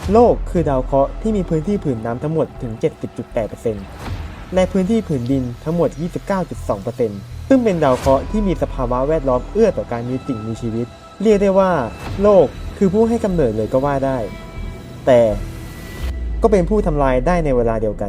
โลกคือดาวเคราะห์ที่มีพื้นที่ผืนน้ำทั้งหมดถึง 70.8% และพื้นที่ผืนดินทั้งหมด 29.2% ซึ่งเป็นดาวเคราะห์ที่มีสภาวะแวดล้อมเอื้อต่อการมีสิ่งมีชีวิต เรียกได้ว่าโลกคือผู้ให้กำเนิดเลยก็ว่าได้ แต่ก็เป็นผู้ทำลายได้ในเวลาเดียวกัน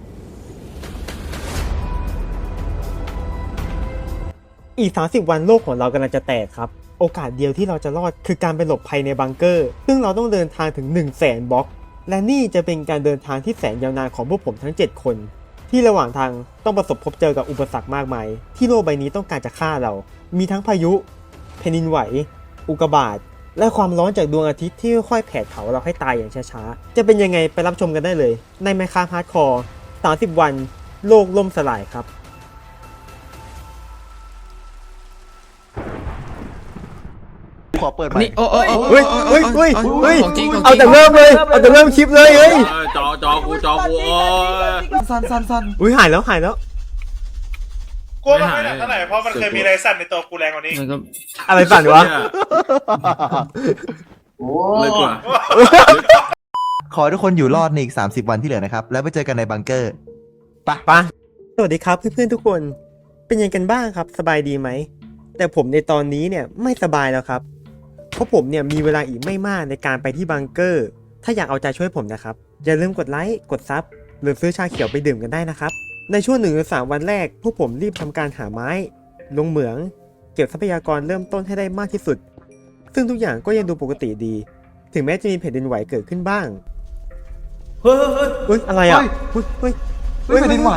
อีก 30 วันโลกของเรากำลังจะแตกครับ โอกาสเดียวที่เราจะรอดคือการไปหลบภัยในบังเกอร์ ซึ่งเราต้องเดินทางถึง 100,000 บล็อก และนี่จะเป็นการเดินทางที่แสนยาวนานของพวกผมทั้ง 7 คน ที่ระหว่างทางต้องประสบพบเจอกับอุปสรรคมากมาย ที่โลกใบนี้ต้องการจะฆ่าเรา มีทั้งพายุ แผ่นดินไหว อุกกาบาต และความร้อนจากดวงอาทิตย์ที่ค่อยๆแผดเผาเราให้ตายอย่างช้าๆ จะเป็นยังไงไปรับชมกันได้เลย ใน Minecraft Hardcore 30 วัน โลกล่มสลายครับขอเปิดใหม่นี่โอ้เฮ้ยเฮ้ยเฮ้ยเฮ้ยของจริงของจริงเอาแต่เริ่มเลย เอาแต่เริ่มคลิปเลยเฮ้ยจอกูโอ้ยสั้นอุ้ยหายแล้วหายแล้วกูว่ามันไม่หนักเท่าไหร่เพราะมันเคยมีอะไรสั่นในตัวกูแรงกว่านี้มันก็อะไรสั่นวะเลยกว่าขอให้ทุกคนอยู่รอดในอีก30 วันที่เหลือนะครับ แล้วไปเจอกันในบังเกอร์ไปปะสวัสดีครับเพื่อนๆทุกคน เป็นยังกันบ้างครับสบายดีไหม แต่ผมในตอนนี้เนี่ยไม่สบายแล้วครับ เพราะผมเนี่ยมีเวลาอีกไม่มากในการไปที่บังเกอร์ ถ้าอยากเอาใจช่วยผมนะครับ อย่าลืมกดไลค์กดซับหรือซื้อชาเขียวไปดื่มกันได้นะครับ ในช่วง1-3 วันแรกพวกผมรีบทำการหาไม้ ลงเหมือง เก็บทรัพยากรเริ่มต้นให้ได้มากที่สุด ซึ่งทุกอย่างก็ยังดูปกติดี ถึงแม้จะมีแผ่นดินไหวเกิดขึ้นบ้างเฮ้ยอะไรอ่ะเฮ้ยเฮ้ยแผ่นดินไหว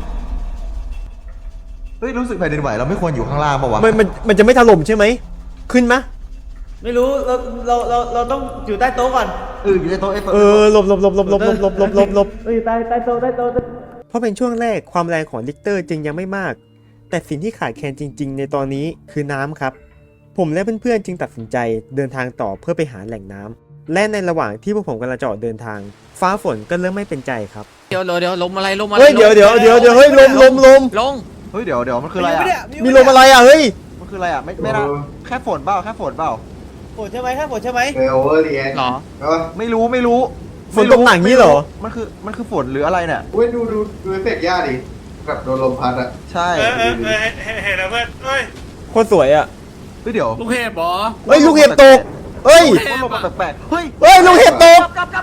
เฮ้ยรู้สึกแผ่นดินไหวเราไม่ควรอยู่ข้างล่างป่าวะมันจะไม่ถล่มใช่ไหมขึ้นมะไม่รู้เราต้องอยู่ใต้โต๊ะก่อนอยู่ในโต๊ะไอ้โต๊ะหลบใต้โต๊ะเพราะเป็นช่วงแรกความแรงของลิกเตอร์จึงยังไม่มาก แต่สิ่งที่ขาดแคลนจริงๆในตอนนี้คือน้ำครับ ผมและเพื่อนๆจึงตัดสินใจเดินทางต่อเพื่อไปหาแหล่งน้ำและในระหว่างที่พวกผมกำลังจะออกเดินทาง ฟ้าฝนก็เริ่มไม่เป็นใจครับเดี๋ยวลมอะไรลมอะไรเฮ้ยเดี๋ยวเฮ้ยลมลงเฮ้ยเดี๋ยวมันคืออะไรอ่ะมีลมอะไรอ่ะเฮ้ยมันคืออะไรอ่ะไม่น่าแค่ฝนเปล่าฝนใช่ไหมฝนใช่ไหมโอเวอร์เรียนเหรอไม่รู้ฝนตกหนักงี้เหรอมันคือฝนหรืออะไรเนี่ยเว้ยดูเอฟเฟกต์ย่าดิแบบโดนลมพัดอะใช่เห็นแล้วเพื่อนเฮ้ยโคตรสวยอ่ะเฮ้ยเดี๋ยวลูกเห็บเหรอเฮ้ยลูกเห็บตกเฮ้ยลมแปลกๆเฮ้ยเฮ้ยลูกเห็บตก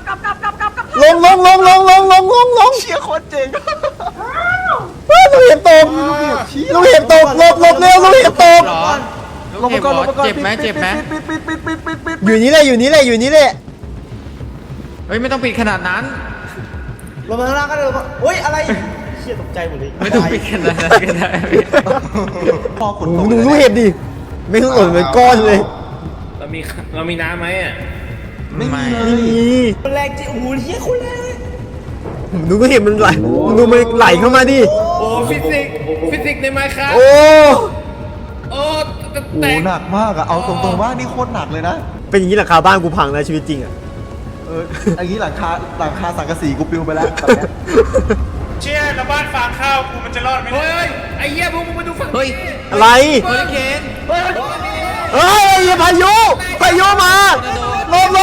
ลงเชี่ยโคตรเจ๋งเฮ้ยลูกเห็บตกหลบเร็วลูกเห็บตกเหรอลูกเห็บเหรอเจ็บไหมปิดอยู่นี่แหละอยู่นี่แหละเฮ้ยไม่ต้องปิดขนาดนั้นลงมาข้างล่างก็เลยเฮ้ยอะไรเชี่ยตกใจหมดเลยไม่ต้องปิดขนาดนั้นก็ได้พอฝนตกดูลูกเห็บดิไม่ต้องหล่นเป็นก้อนเลยเรามีน้ำไหมอ่ะไม่มีเลนี่ยคนแรงจริงโอ้โหเชี่ยคนแรงเลยดูลูกเห็บมันไหลดูมันไหลเข้ามาดิโอ้ฟิสิกส์ในไมค์ครับโอ้โอ้โอ้หนักมากอะเอาตรงๆว่านี่โคตรหนักเลยนะเป็นอย่างนี้หลังคาบ้านกูพังนะชีวิตจริงอ่ะอันนี้หลังคาสังกะสีกูปลิวไปแล้วตอนเนี้ยเชี่ยแล้วบ้านฟางข้าวกูมันจะรอดไหมเฮ้ยไอ้เหี้ยพวกมึงมาดูฝั่งเฮ้ยอะไรเฮอริเคนเฮ้ยพายุมาลม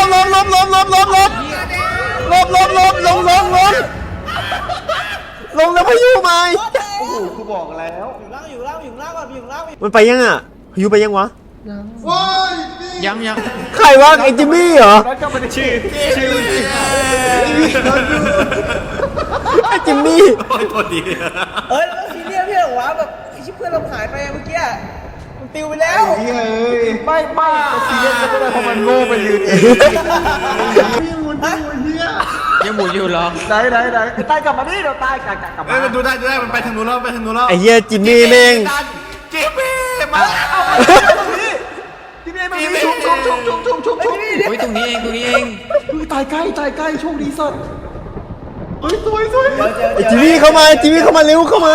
แล้วพายุมาโอ้โหกูบอกแล้วอยู่ล่างก่อนอยู่ล่างมันไปยังอ่ะพายุไปยังวะยังใครวะไอ้จิมมี่เหรอแล้วก็ไม่ได้ชื่อไอ้จิมมี่แล้วซีเรียสพี่เหรอวะแบบไอ้ชิบเพื่อนเราหายไปเมื่อกี้มันปิวไปแล้วไม่ป้าซีเรียสก็ไม่ได้เพราะมันโง่ไปยืนเองยังหมุนอยู่เหรอไหนตายกลับมาดิเดี๋ยวตายกลับเฮ้มายมันดูได้มันไปทางนู้นแล้วไอ้เหี้ยจิมมี่แม่งจิมมี่มาที่นี่มันมีชุบเฮ้ยตรงนี้เองตายใกล้โชคดีสัตว์เฮ้ยสวยไอ้จิมมี่เข้ามาเร็วเข้ามา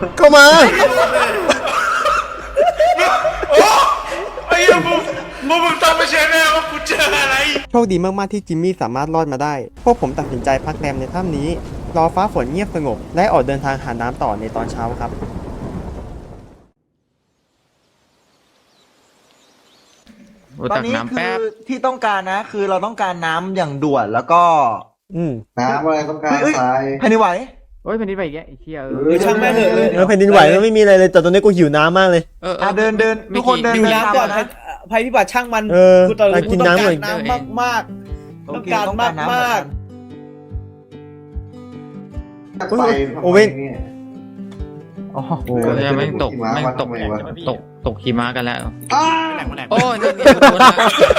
ไอ้ยังมึงต้องไปเช็คแน่ว่ากูเจออะไรโชคดีมากๆที่จิมมี่สามารถรอดมาได้ พวกผมตัดสินใจพักแรมในถ้ำนี้ รอฟ้าฝนเงียบสงบ และออกเดินทางหาน้ำต่อในตอนเช้าครับโอ้ตอนตักนี้น้ำคืแป๊บอที่ต้องการนะ คือเราต้องการน้ำอย่างด่วนแล้วก็อืมน้ำอะไรต้องการเฮ้ยทรายแผ่นดินไหวโอ้ยแผ่นดินไหวอีกแล้วไอ้เหี้ยช่างแม่งเถอะแล้วแผ่นดินไหวมันไม่มีอะไรเลยแต่ตอนนี้กูหิวน้ำมากเลยเดินทุกคนเดินอยู่เดินน้ำตามก่อนมานะภัยพิบัติช่างมันเออกูตอนไปนี้กิกูนต้องน้ำกาหน่รอยน้ำมากๆต้องการมากมากไปโอเว่นเนี่ยโอ้โหก็จะไม่งตกหิมะแม่งมาตกทำไมวะตกหิมะกันแล้วอ้าโอ้ยนี่นี่โดนละ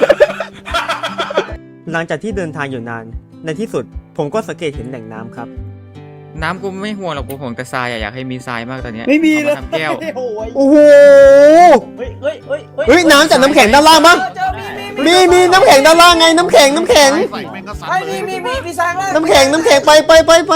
หลังจากที่เดินทางอยู่นาน ในที่สุดผมก็สังเกตเห็นแหล่งน้ำครับน้ำกูไม่ห่วงหรอกกูห่วงแต่ทรายอะอยากให้มีทรายมากตอนเนี้ยไม่มีเลยอาาทำแก้วโอ้ยโอ้โหเฮ้ยเฮ้ยเฮ้ยเฮ้ยน้ำจากน้ำแข็งด้านล่างมั้งเจอมีมีน้ำแข็งด้านล่างไงน้ำแข็งไอ้มีสร้างแล้วน้ำแข็งไปลง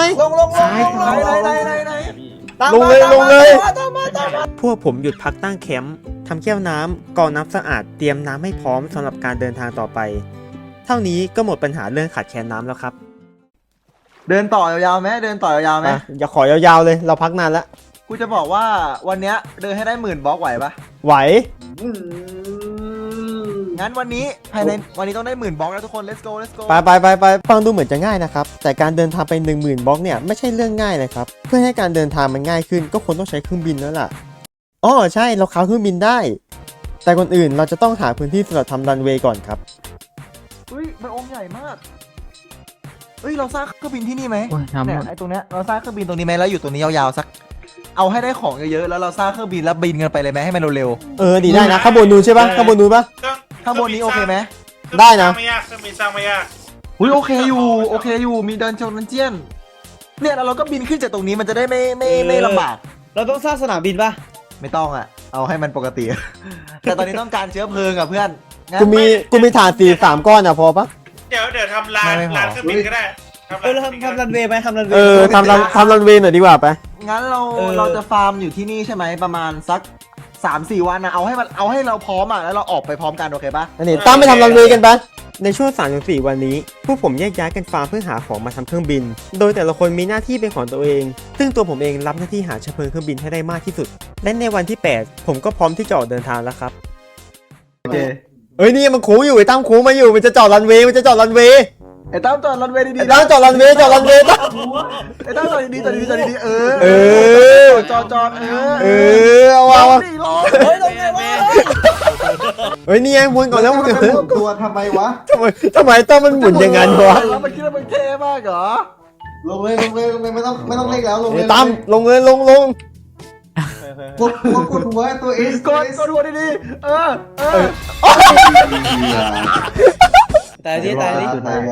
ลงเลยตามมาพวกผมหยุดพักตั้งแคมป์ทำแก้วน้ำกรองน้ำสะอาดเตรียมน้ำให้พร้อมสำหรับการเดินทางต่อไป เท่านี้ก็หมดปัญหาเรื่องขาดแคลนน้ำแล้วครับเดินต่อยาวๆไหมเดินต่อยาวๆไหมอย่าขอยาวๆเลยเราพักนานแล้วกูจะบอกว่าวันเนี้ยเดินให้ได้10,000 บล็อกไหวปะไหวงั้นวันนี้ภายในวันนี้ต้องได้10,000 บล็อกแล้วทุกคน let's go ไปฟังดูเหมือนจะง่ายนะครับ แต่การเดินทางไป 10,000 บล็อกเนี่ยไม่ใช่เรื่องง่ายเลยครับ เพื่อให้การเดินทางมันง่ายขึ้นก็ควรต้องใช้เครื่องบินแล้วล่ะอ๋อใช่เราค้าเครื่องบินได้ แต่ก่อนอื่นเราจะต้องหาพื้นที่สำหรับทำรันเวย์ก่อนครับเฮ้ยมันองค์ใหญ่มากเฮ้ยเราสร้างเครื่องบินที่นี่ไหมโอ้ยน้ำเนี่ยไอ้ตรงเนี้ยเราสร้างเครื่องบินตรงนี้ไหมแล้วอยู่ตรงนี้ยาวๆสักเอาให้ได้ของเยอะๆแล้วเราสร้างเครื่องบินแล้วบินกันไปเลยไหมให้มันเร็วดีได้นะข้างบนนู้นใช่ปะข้างบนนู้นปะๆข้างบนนี้โอเคไหมได้นะไม่ยากเครื่องบินสร้างไม่ยากอุ้ยโอเคอยู่มีเดินชมดันเจียนเนี่ยแล้วเราก็บินขึ้นจากตรงนี้มันจะได้ไม่ลำบากเราต้องสร้างสนามบินป่ะไม่ต้องอ่ะ เอาให้มันปกติ แต่ตอนนี้ต้องการเชื้อเพลิงอ่ะเพื่อนงั้นกูมีฐาน3 ก้อนอ่ะพอปะเดี๋ยวทำลานลานเครื่องบินก็ได้เราทำรันเวย์ไหมทำรันเวย์ทำรันเวย์หน่อยดีกว่าไปงั้นเราจะฟาร์มอยู่ที่นี่ใช่ไหมประมาณสัก 3-4 วันนะเอาให้เราพร้อมอ่ะแล้วเราออกไปพร้อมกันโอเคปะอันนี้ตั้มไปทำรันเวย์กันไปในช่วง 3-4 วันนี้พวกผมแยกย้ายกันฟาร์มเพื่อหาของมาทำเครื่องบิน โดยแต่ละคนมีหน้าที่เป็นของตัวเอง ซึ่งตัวผมเองรับหน้าที่หาเชื้อเพลิงเครื่องบินให้ได้มากที่สุด และในวันที่ 8 ผมก็พร้อมที่จะออกเดินทางแล้วครับโอเคเอ้ยนี่มันโค้งอยู่ไอ้ตั้มโค้งมาอยู่มันจะจอดรันเวย์ไอ้ตั้มจอดรันเวย์ดีไอ้ๆตั้มจอดรันเวย์ตั้มไอ้ตั้มจอดดีๆเออเออจอดเออเอาดิรอเฮ้ยลงไงวะเฮ้ยนี่ไงวนก่อนแล้ววนก่อนมันหมุนตัวทำไมวะทำไมตั้มมันหมุนอย่างนั้นวะแล้วมันคิดว่ามันเท่มากเหรอลงเลยไม่ต้องเล่นแล้วลงเลยตั้มลงเลยลงกดหัวตัวเอสกดหัวดีๆเออตายดิตายนะ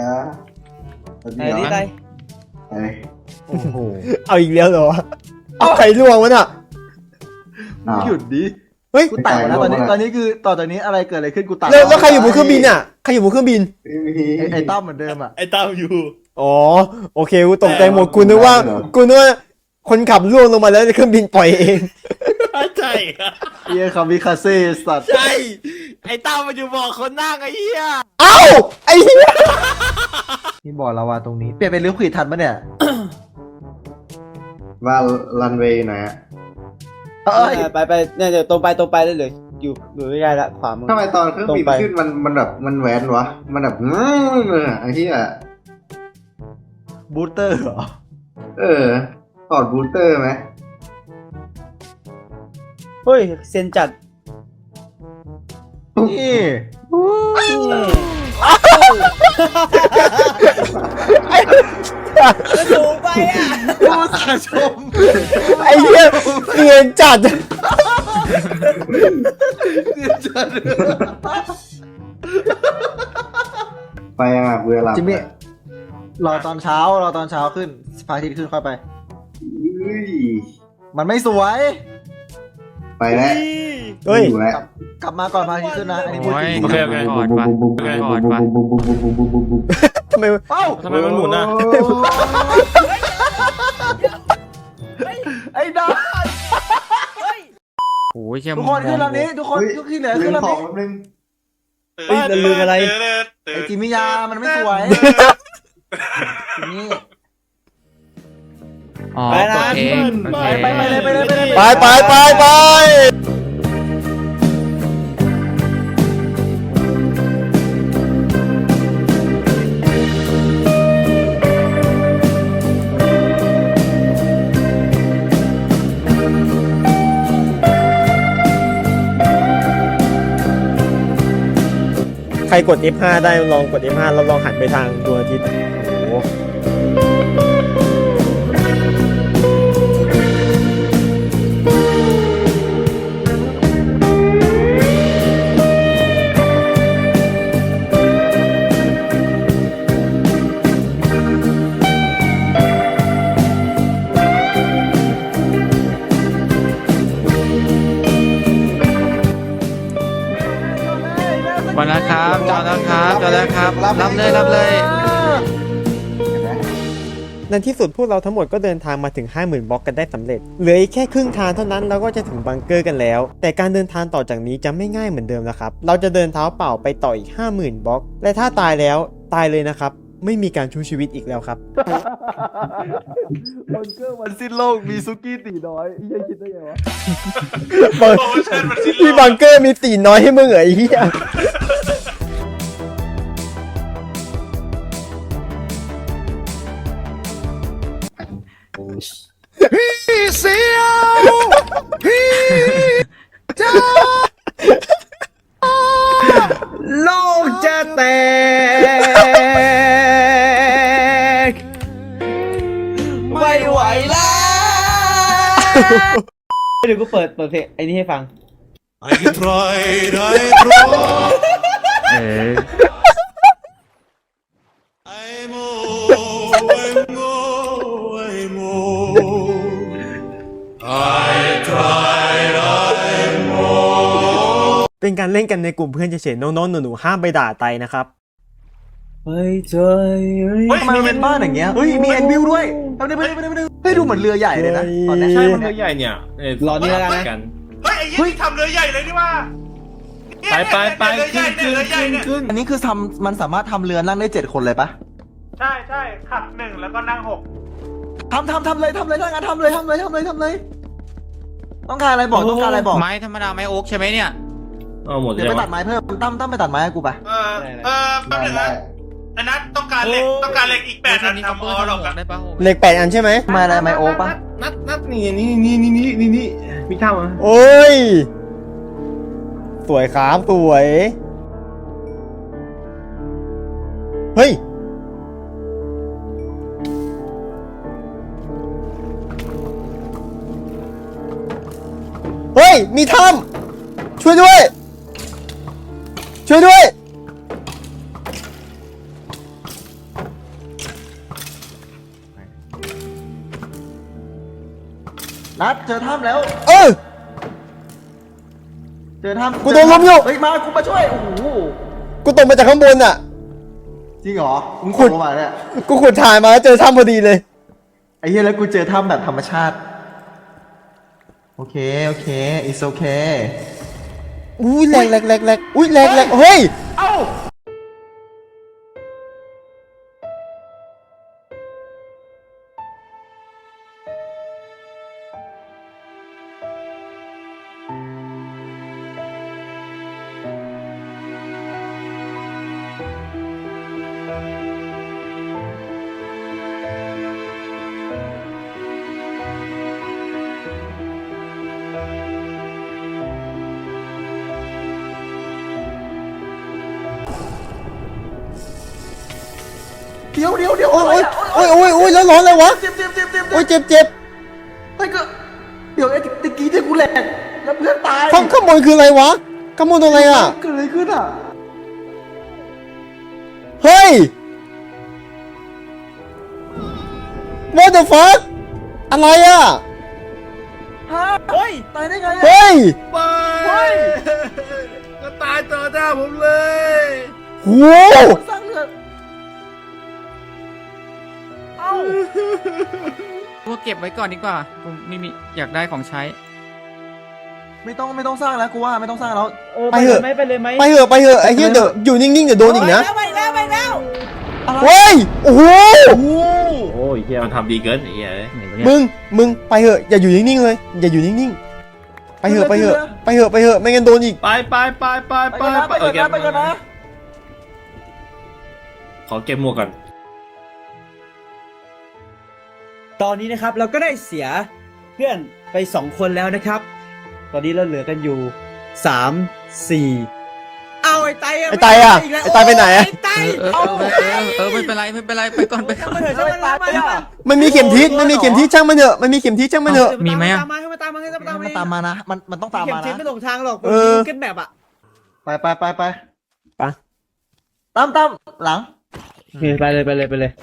โอ้โหเอาอีกแล้วเหรอเอาใครล่วงวะน่ะหยุดดิเฮ้ยกูตายแล้วตอนนี้คือต่อจากนี้อะไรเกิดอะไรขึ้นกูตายแล้วใครอยู่บนเครื่องบินอ่ะใครอยู่บนเครื่องบินไอ้ตั้มเหมือนเดิมอ่ะไอ้ตามอยู่อ๋อโอเคกูตกใจหมดกูนึกว่าคนขับล่วงลงมาแล้วเครื่องบินปล่อยเองใช่เฮียคามิคาเซ่สัตว์ใช่ไอ้ตามมันอยู่บอกคนนั่งไอ้เหี้ยเอ้าไอ้เหี้ยนี่บอกเราว่าตรงนี้เปลี่ยนเป็นเลี้ยวขวิดทันปะเนี่ยว่ารันเวย์ไหนอะไปเนี่ยเดี๋ยวตรงไปได้เลยอยู่ใกล้ๆละขวามือทำไมตอนเครื่องบินขึ้นมันแบบมันแหวนวะมันแบบไอ้ที่อะบูสเตอร์เหรอถอดบูสเตอร์ไหมเฮ้ยเซนจัดนี่สูงไปอ่ะผู้สาชมไอ้เหี้ยเนียนจัดไปยังอ่ะเบื่อหลับจิมมี่รอตอนเช้าขึ้นพระอาทิตย์ขึ้นค่อยไป มันไม่สวยไปแล้วเฮ้ยอยู่แล้วกลับมาก่อนพระอาทิตย์ขึ้นนะอันนี้พูดโอ้จยริงโอเคกอดปะกอดปะทำไมเอ้าทำไมมันหมุนอ่ะไอ้ดาโอ้ยเชี่ยทุกคนขึ้นลำนี้ทุกคนทุกที่เหลือขึ้นลำขอนี้งแป๊บนึงเฮ้ยลืมอะไรไอ้จิมมี่ยามันไม่สวยจิมมี่อ๋อไปนะโอเคโอเคไปเลยไปใครกด F5 ได้ลองกด F5 แล้วลองหันไปทางดวงอาทิตย์โอ้โหมาแล้วครับจอดแล้วครับจอดแล้วครับรับเลยรับเลยในที่สุดพวกเราทั้งหมดก็เดินทางมาถึง 50,000 บล็อกกันได้สำเร็จเหลืออีกแค่ครึ่งทางเท่านั้นเราก็จะถึงบังเกอร์กันแล้ว แต่การเดินทางต่อจากนี้จะไม่ง่ายเหมือนเดิมแล้วครับเราจะเดินเท้าเปล่าไปต่ออีก 50,000 บล็อกและถ้าตายแล้วตายเลยนะครับไม่มีการชูชีวิตอีกแล้วครับบังเกอร์วันสิ้นโลกมีซุกี้ตีน้อยเฮียคิดได้ไงวะโปรโมชั่นมันสิ้นโลกที่บังเกอร์มีตีน้อยให้มึงเหรอไอ้เหี้ยโลกจะแตกไม่ไหวแล้วเดี๋ยวกูเปิดเพลงไอ้นี่ให้ฟังเออเป็นการเล่นกันในกลุ่มเพื่อนเฉยๆน้องๆหนูๆห้ามไปด่าไตนะครับไม่ใจเฮ้ยทำไมมันเป็นบ้านอย่างเงี้ยเฮ้ยมีแอนวิลด้วยเอาดิเฮ้ยดูเหมือนเรือใหญ่เลยนะตอนเนี้ยใช่มันเรือใหญ่เนี่ยรอนี่แล้วกันนะกันเฮ้ยไอ้ยี่นี่ทำเรือใหญ่เลยนี่ว่าไปเรือใหญ่เนี่ยเรือใหญ่เนี่ยขึ้นอันนี้คือมันสามารถทำเรือนั่งได้7 คนเลยปะใช่ใช่ขับ1แล้วก็นั่ง6 ทำเลยถ้างั้นทำเลยต้องการอะไรบอกต้องการอะไรบอกไม้ธรรมดาไม้โอ๊กใช่ไหมเนี่ยเอาหมดเลเดี๋ยยวไปตัวะดไม้เพิ่มตั้มไปตัดไม้ให้กูปะแป๊บนึงนะอันนั้นต้องการเหล็กอีก8อันทำออหรอกอะได้ปะเหล็ก8 อันใช่ไหมไม้อะไรไม้โอ๊กปะนัดนี่มีข้าวมั้ยโอ้ยสวยครับสวย เฮ้ย เฮ้ย มีถ้ำช่วยด้วย ช่วยด้วยนัดเจอถ้ำแล้วเออเจอถ้ำกูโดนล้มอยู่เฮ้ยมากูมาช่วยโอ้โหกูตกมาจากข้างบนอ่ะจริงเหรอมึงขุขุดดลงมาเนี่ยกูขุดถ่ายมาแล้วเจอถ้ำพอดีเลยไอ้เหี้ยแล้วกูเจอถ้ำแบบธรรมชาติโอเคit's okay อุ้ยแหลกอุ้ยแหลกเฮ้ยเอ้า เดี๋ยวโอ้ยแล้วร้อนเลยวะเจ็บโอ้ยเจ็บเฮ้ยก็เดี๋ยวไอ้ตะกี้ที่กูแหลกแล้วเพื่อนตายข้างบนคืออะไรวะข้างบนอะไรอ่ะเกิดอะไรขึ้นอ่ะเฮ้ย What the fuck อะไรอ่ะฮะเฮ้ยตายได้ไงอะเฮ้ยเฮ้ยก็ตายต่อหน้าผมเลยโหสร้างเรือเอ้ากูเก็บไว้ก่อนดีกว่ากูไม่มีอยากได้ของใช้ไม่ต้องสร้างแล้วกูว่าไม่ต้องสร้างแล้วไปเถอะไปเลยไหมไปเถอะไอ้เหี้ยเดี๋ยวอยู่นิ่งๆเดี๋ยวโดนอีกนะไปแล้วเฮ้ย โอ้โหโอ้ยเฮียมันทำดีเกินไอ้เหี้ยมึงไปเถอะอย่าอยู่นิ่งๆเลย อย่าอยู่นิ่งๆ ไปเถอะไม่งั้นโดนอีกไปไปก่อนนะขอเก็บหมวกก่อนตอนนี้นะครับเราก็ได้เสียเพื่อนไป2 คนแล้วนะครับ ตอนนี้เราเหลือกันอยู่3 4เอาไอ้ไตอะไอ้ไตอะอีกแล้วไอ้ไตไปไหนอะไอ้ไตไม่เป็นไรไม่เป็นไรไปก่อนไปก่อนมาเถอะช่างมันมามามันมีเข็มทิศช่างมันเถอะมันมีเข็มทิศช่างมันเถอะมีไหมอะตามมาให้ตามมันตามมานะ มันต้องตามเข็มมาทิศนะไม่หลงทางหรอกเออเก็ตแบบอะไปไปตามหลังไปเลยไปเลยไปเลย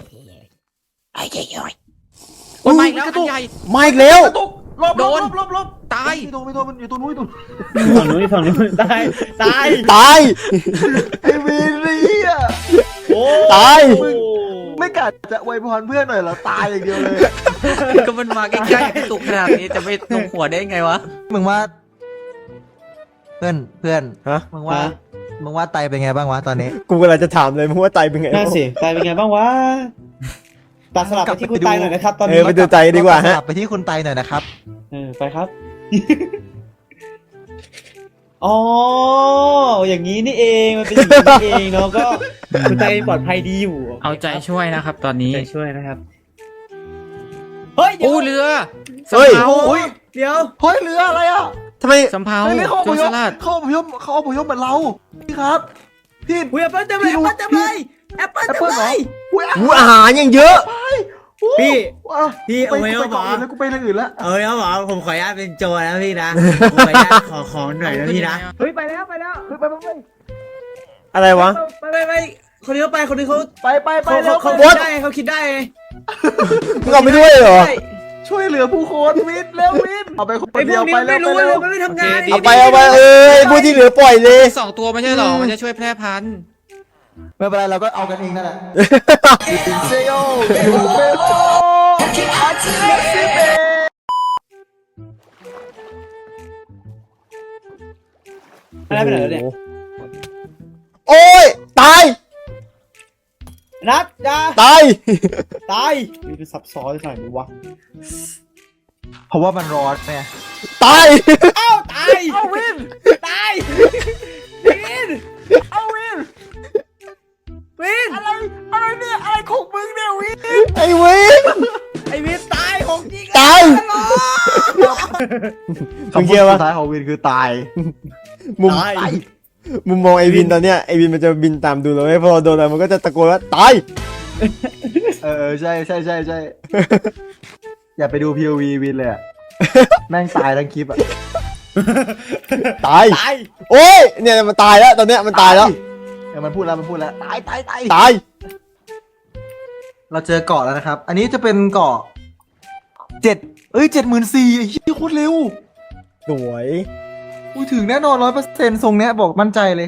โอ้ยไม่แล้วอันใหญ่มาอีกแล้วตกลบโดนลบตายไม่โดนมันอยู่ตรงนู้นฝั่งนู้นฝั่งนู้นตายตายตายไอ้วีนี่อ่ะโอ้ตายไม่กัดจะอวยพรเพื่อนหน่อยเหรอตายอย่างเดียวเลยก็มันมาใกล้ๆกระตุกขนาดนี้จะไม่ตรงหัวได้ไงวะมึงว่า เพื่อนฮะมึงว่าไตเป็นไงบ้างวะตอนนี้กูกำลังจะถามเลยมึงว่าไตเป็นไงน่าสิตายเป็นไงบ้างวะตัดสลับไปที่คุณตายหน่อยนะครับตอนเอนี้อไปดูไตดีกว่าฮะกลับไปที่คุณไตหน่อยนะครับไปครับ อ๋ออย่างนี้นี่เองมันเป็นอย่างนี้นี่เองเนาะก็คุณตายปลอดภัยดีอยู่เอาใจช่วยนะครับ ตอนนี้ใจช่วยนะครับเฮ้ยเดี๋ยวอู้เรือเฮ้ยสำเภาโอ้ยเดี๋ยวเฮ้ยเรืออะไรอ่ะทำไมสำเภาเฮ้ยนี่เขาอโจพรยสพลัดเขาอพยพเหมือนเราพี่ครับพี่อุ้ยแอปเปิ้ลเต็มเลยแอปเปิ้ลเต็มเลยแอปเปิ้ลแอปเต็มเปิ้ลเหรเลอย อุ้ยหูอาหารยังเยอะพี่อ่ะพี่ไปเอาไว้ไปเอาก่อนหมอแล้วกูไปเรื่องอื่นละเอ้ยเอาหมอผมขออนุญาตเป็นโจรนะพี่นะผมขออนุญาตขอของหน่อยนะพี่นะเฮ้ยไปแล้วอะไรวะไปคนนี้เขาไปคนนี้เขาไปเขาแล้วเขา What? คิดได้เขาคิดได้มึงเอาไปด้วยเหรอช่วยเหลือผู้คนวินแล้ววินเอาไปคนไอ้พเดีวยวกนี้ไปมันแล้วไม่ไปรู้แล้วมันไม่ทำงานโอเคเอาไปเอ้ยผู้ที่เหลือปล่อยเลย 2 ตัวไม่ใช่หรอ มันจะช่วยแพร่พันธุ์ไม่เป็นไรเราก็เอากันเองนั่นแหละเซโยเบโออะไรไปไหนแล้วเนี่ยโอ้ยตายนัดจ้าตายตายนี่เป็นซับซ้อนหน่อยดูวะเพราะว่ามันร้อนไงตายเอ้าตายเอาวินตายวินเอาวินวินอะไรเนี่ยอะไรของมึงเนี่ยวินไอ้เว้ยไอ้วินตายของจริงตายคำพูดสุดท้ายของวินคือตายมุมมุมมองไอวินตอนเนี้ยไอวินมันจะบินตามดูเราไม่พอโดนอะไรมันก็จะตะโกนว่าตายใช่อย่าไปดู POV วินเลยอะแม่งตายทั้งคลิปอะตาย โอ้ยเนี่ยมันตายแล้วตอนเนี้ยมันตายแล้วมันพูดแล้วตายตายเราเจอเกาะแล้วนะครับ อันนี้จะเป็นเกาะ74,000ไอ้เหี้ยโคตรเร็วสวยอุ้ยถึงแน่นอน100%ทรงเนี้ยบอกมั่นใจเลย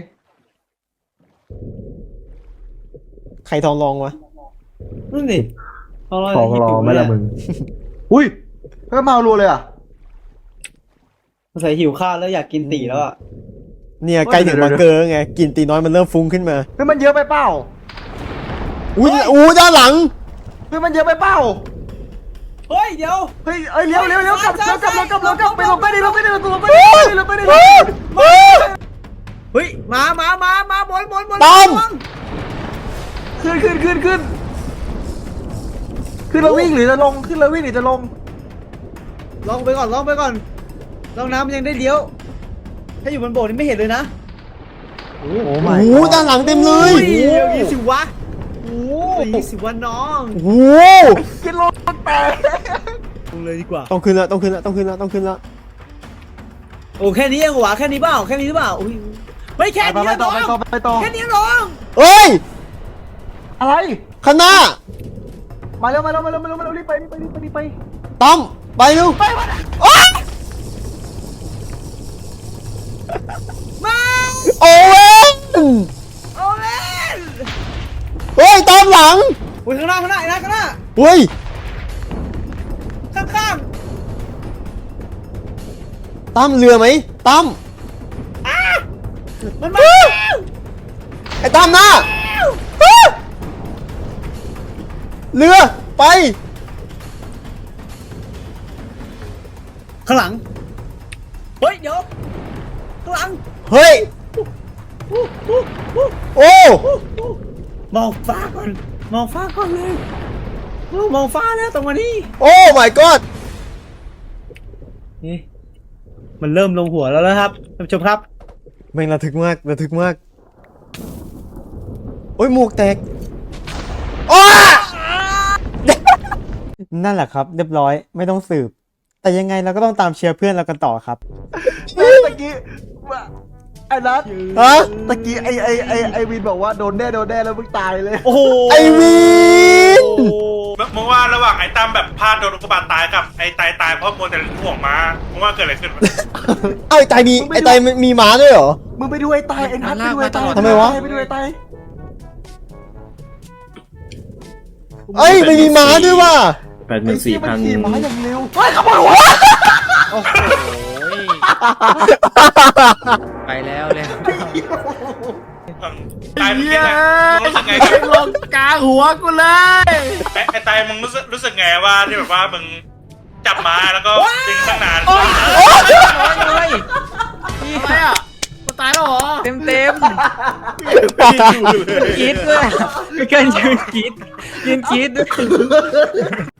ใครทองรองวะนั่นดิของเราอุ้ยเพิ่มมารัวเลยอ่ะใส่หิวข้าวแล้วอยากกินตีแล้วอ่ะเนี่ยใกล้ถึงบังเกอร์ไงกินตีน้อยมันเริ่มฟุ้งขึ้นมาเฮ้ยมันเยอะไปเปล่าอู้ด้านหลังเฮ้ยมันเยอะไปเปล่าเฮ้ยเดี๋ยวเฮ้ยเลี้ยวกลับไปลงไปดิลงไปดิเฮ้ยมาบนต้อมขึ้นแล้ววิ่งหรือจะลงขึ้นแล้ววิ่งหรือจะลงลองไปก่อนลองน้ำมันยังได้เลี้ยวถ้าอยู่บนโบสถ์นี่ไม่เห็นเลยนะโอ้โอ้โหด้านหลังเต็มเลยอย่างนี้สิวะโอ้ยางนี้สิวะน้องโอ้โหขึ้นรถแตกลงเลยดีกว่าต้องขึ้นแล้วโอ้แค่นี้เองหวะแค่นี้เปล่าแค่นี้หรือเปล่าอุ้ยไม่แค่นี้ไปต่อแค่นี้น้องเอ้ยอะไรข้างหน้ามาเร็วรีบไปต้อมไปเร็วมาโอเว่นโอ้เล่นเฮ้ยต้อมหลังอุ้ยข้างหน้าไอ้นะข้างหน้าเฮ้ยข้างต้อมเรือไหมต้อมมันมาไอ้ต้อมหน้าเรือไปข้างหลังเฮ้ยเดี๋ยวข้างหลังเฮ้ยโอ้มองฟ้าก่อนเลยมองฟ้าแล้วตรงมานี่โอ้ my god นี่มันเริ่มลงหัวแล้วนะครับท่านผู้ชมครับแม่งระทึกมากโอ้ยหมวกแตกโอ้นั่นแหละครับ เรียบร้อยไม่ต้องสืบ แต่ยังไงเราก็ต้องตามเชียร์เพื่อนเรากันต่อครับตะกี้ไอ้นัทฮะตะกี้ไอวินบอกว่าโดนแน่แล้วมึงตายเลยโอ้โหไอวินมึงว่าระหว่างไอ้ตั้มแบบพลาดโดนอุกกาบาตตายกับไอ้ตายเพราะมัวแต่ห่วงม้ามึงว่าเกิดอะไรขึ้นวะไอ้ตายมีไอ้ตายมีม้าด้วยเหรอมึงไปดูไอ้ตายไอ้นัทไปดูไอ้ตายทำไมวะไปดูไอ้ตายเอ้ยไม่มีม้าด้วยว่ะไอ้เหี้ยมันขี่ม้าอย่างเร็วเฮ้ยขโมยวะโอ้โหไปแล้วเลยตายมึงคิดไงมึงรู้สึกไงกับลงกลางหัวกูเลยไอ้ตายมึงรู้สึกไงว่าที่แบบว่ามึงจับม้าแล้วก็ดึงตั้งนานเลยอะไรอ่ะกูตายแล้วเหรอเต็มกรีดด้วยมีการยืนกรีดด้วย